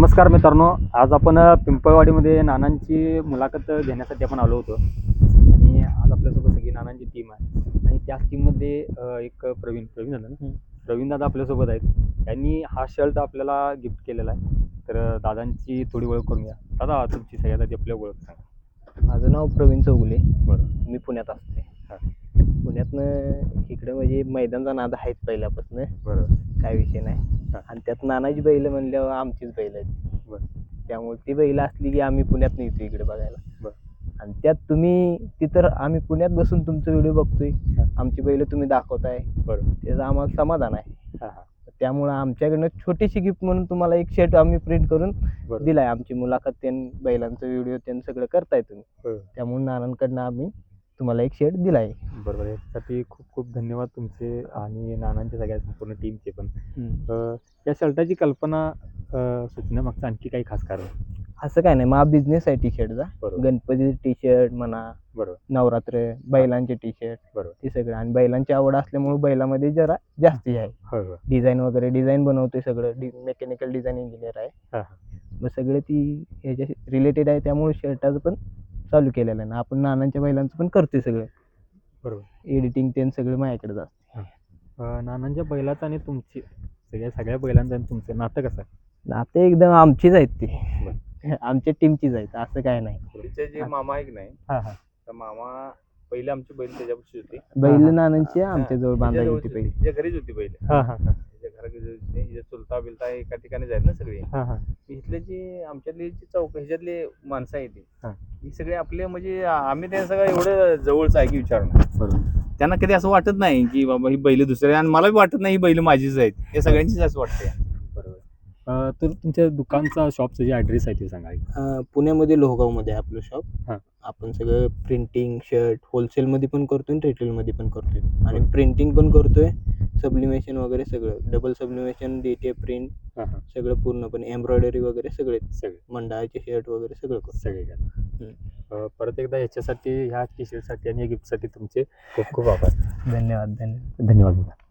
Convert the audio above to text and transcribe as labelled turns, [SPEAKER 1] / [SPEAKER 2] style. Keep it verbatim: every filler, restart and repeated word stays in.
[SPEAKER 1] नमस्कार मित्रांनो, आज आपण अ, पिंपळवाडीमध्ये नानांची मुलाखत घेण्यासाठी आपण आलो होतो आणि आज आपल्यासोबत सगळी नानांची टीम आहे आणि त्याच टीममध्ये अ, एक प्रवीण प्रवीण झालं ना प्रवीण दादा आपल्यासोबत आहेत. त्यांनी हा शर्ट आपल्याला गिफ्ट केलेला आहे. तर अ, दादांची थोडी ओळख करून घ्या. दादा तुमची सगळ्यात आधी आपली ओळख सांगा.
[SPEAKER 2] माझं नाव प्रवीण चौगुले.
[SPEAKER 1] बरं.
[SPEAKER 2] मी पुण्यात असते.
[SPEAKER 1] हां.
[SPEAKER 2] पुण्यातनं इकडं म्हणजे मैदानचा नाद आहेच पहिल्यापासून,
[SPEAKER 1] बरोबर.
[SPEAKER 2] काय विषय नाही.
[SPEAKER 1] हां.
[SPEAKER 2] आणि त्यात नानाची बैल म्हणल्यावर आमचीच बैल आहेत.
[SPEAKER 1] बरं.
[SPEAKER 2] त्यामुळे ती बैल असली की आम्ही पुण्यात येतो इकडे बघायला.
[SPEAKER 1] बरं.
[SPEAKER 2] आणि त्यात तुम्ही तिथं आम्ही पुण्यात बसून तुमचं व्हिडिओ बघतोय,
[SPEAKER 1] हां.
[SPEAKER 2] आमची बैल तुम्ही दाखवताय,
[SPEAKER 1] बरोबर.
[SPEAKER 2] त्याचं आम्हाला समाधान आहे.
[SPEAKER 1] हां हां.
[SPEAKER 2] त्यामुळं आमच्याकडनं छोटीशी गिफ्ट म्हणून तुम्हाला एक शर्ट आम्ही प्रिंट करून
[SPEAKER 1] बरं.
[SPEAKER 2] दिलाय. आमची मुलाखत त्यां बैलांचं व्हिडिओ त्यां सगळं करताय तुम्ही.
[SPEAKER 1] हो.
[SPEAKER 2] त्यामुळे नानांकडनं आम्ही तुम्हाला एक शर्ट दिलाय.
[SPEAKER 1] बरोबर. यासाठी खूप खूप धन्यवाद तुमचे आणि नानांच्या सगळ्या संपूर्ण टीमचे पण. अ, या शर्टाची कल्पना अ, सुचण्यामागचं आणखी काही खास कारण?
[SPEAKER 2] असं काय नाही, माझा बिझनेस आहे टी शर्टचा.
[SPEAKER 1] बरोबर.
[SPEAKER 2] गणपती टी शर्ट म्हणा,
[SPEAKER 1] बरोबर.
[SPEAKER 2] नवरात्र बैलांचे टी शर्ट,
[SPEAKER 1] बरोबर.
[SPEAKER 2] ते सगळं. आणि बैलांची आवड असल्यामुळे बैलामध्ये जरा जास्ती आहे.
[SPEAKER 1] होय होय.
[SPEAKER 2] डिझाईन वगैरे डिझाईन बनवतोय सगळं. डी मेकॅनिकल डिझाईन इंजिनियर आहे.
[SPEAKER 1] हां हां.
[SPEAKER 2] मग सगळे ती ह्याच्या रिलेटेड आहे, त्यामुळे शर्टाचं पण चालू केलेलं आहे ना. आपण नानांच्या बैलांचं पण करतोय सगळं.
[SPEAKER 1] बरोबर.
[SPEAKER 2] एडिटिंग ते सगळं माझ्याकडे जातं.
[SPEAKER 1] अ, नानांच्या बैलाचं आणि तुमची सगळ्या सगळ्या बैलांचं आणि तुमचं नातं कसं आहे?
[SPEAKER 2] नाते एकदम आमचीच आहेत ती.
[SPEAKER 1] बरं.
[SPEAKER 2] आमच्या टीमचीच आहेत, असं काय नाही.
[SPEAKER 3] तिचे जे मामा आहे की नाही,
[SPEAKER 1] हां हां.
[SPEAKER 3] तर मामा पहिले आमची बैल त्याच्यापाशी होती.
[SPEAKER 2] बैल
[SPEAKER 1] हां.
[SPEAKER 2] नानांची आमच्या जवळ बांधायची होती
[SPEAKER 3] त्याच्या
[SPEAKER 2] पहिली.
[SPEAKER 3] जवळची- तिच्या घरीच होती बैल.
[SPEAKER 1] हां हां हां.
[SPEAKER 3] तिच्या घराकडे होती. हिचे चुलता बिलता एका ठिकाणी जाईल ना सगळे.
[SPEAKER 1] हां हां.
[SPEAKER 3] इथले जे आमच्यातले जे चौक ह्याच्यातले माणसं आहेत ती
[SPEAKER 1] हां.
[SPEAKER 3] ही सगळे आपले म्हणजे आम्ही त्यांना सगळं एवढं जवळचं आहे की विचारणं.
[SPEAKER 1] बरोबर.
[SPEAKER 3] त्यांना कधी असं वाटत नाही की बाबा ही बैल दुसरे, आणि मला बी वाटत नाही ही बैल माझीच आहेत. हे सगळ्यांचीच असं वाटतंय.
[SPEAKER 1] बरोबर. अ, तर तुमच्या दुकानचा शॉपचा जे ॲड्रेस आहे ते सांगा.
[SPEAKER 2] अं, पुण्यामध्ये लोहगावमध्ये आहे आपलं शॉप.
[SPEAKER 1] हां.
[SPEAKER 2] आपण सगळं प्रिंटिंग शर्ट होलसेलमध्ये पण करतोय आणि रिटेलमध्ये पण करतोय. आणि प्रिंटिंग पण करतोय, सब्लिमेशन वगैरे सगळं, double sublimation, D T F print,
[SPEAKER 1] हां हां.
[SPEAKER 2] सगळं पूर्णपणे एम्ब्रॉयडरी वगैरे सगळे
[SPEAKER 1] सगळे
[SPEAKER 2] मंडळाचे शर्ट वगैरे सगळं करतो.
[SPEAKER 1] सगळे अ, परत एकदा ह्याच्यासाठी ह्या टी शर्टसाठी आणि या गिफ्टसाठी तुमचे खूप खूप आभार.
[SPEAKER 2] धन्यवाद धन्यवाद
[SPEAKER 1] धन्यवाद.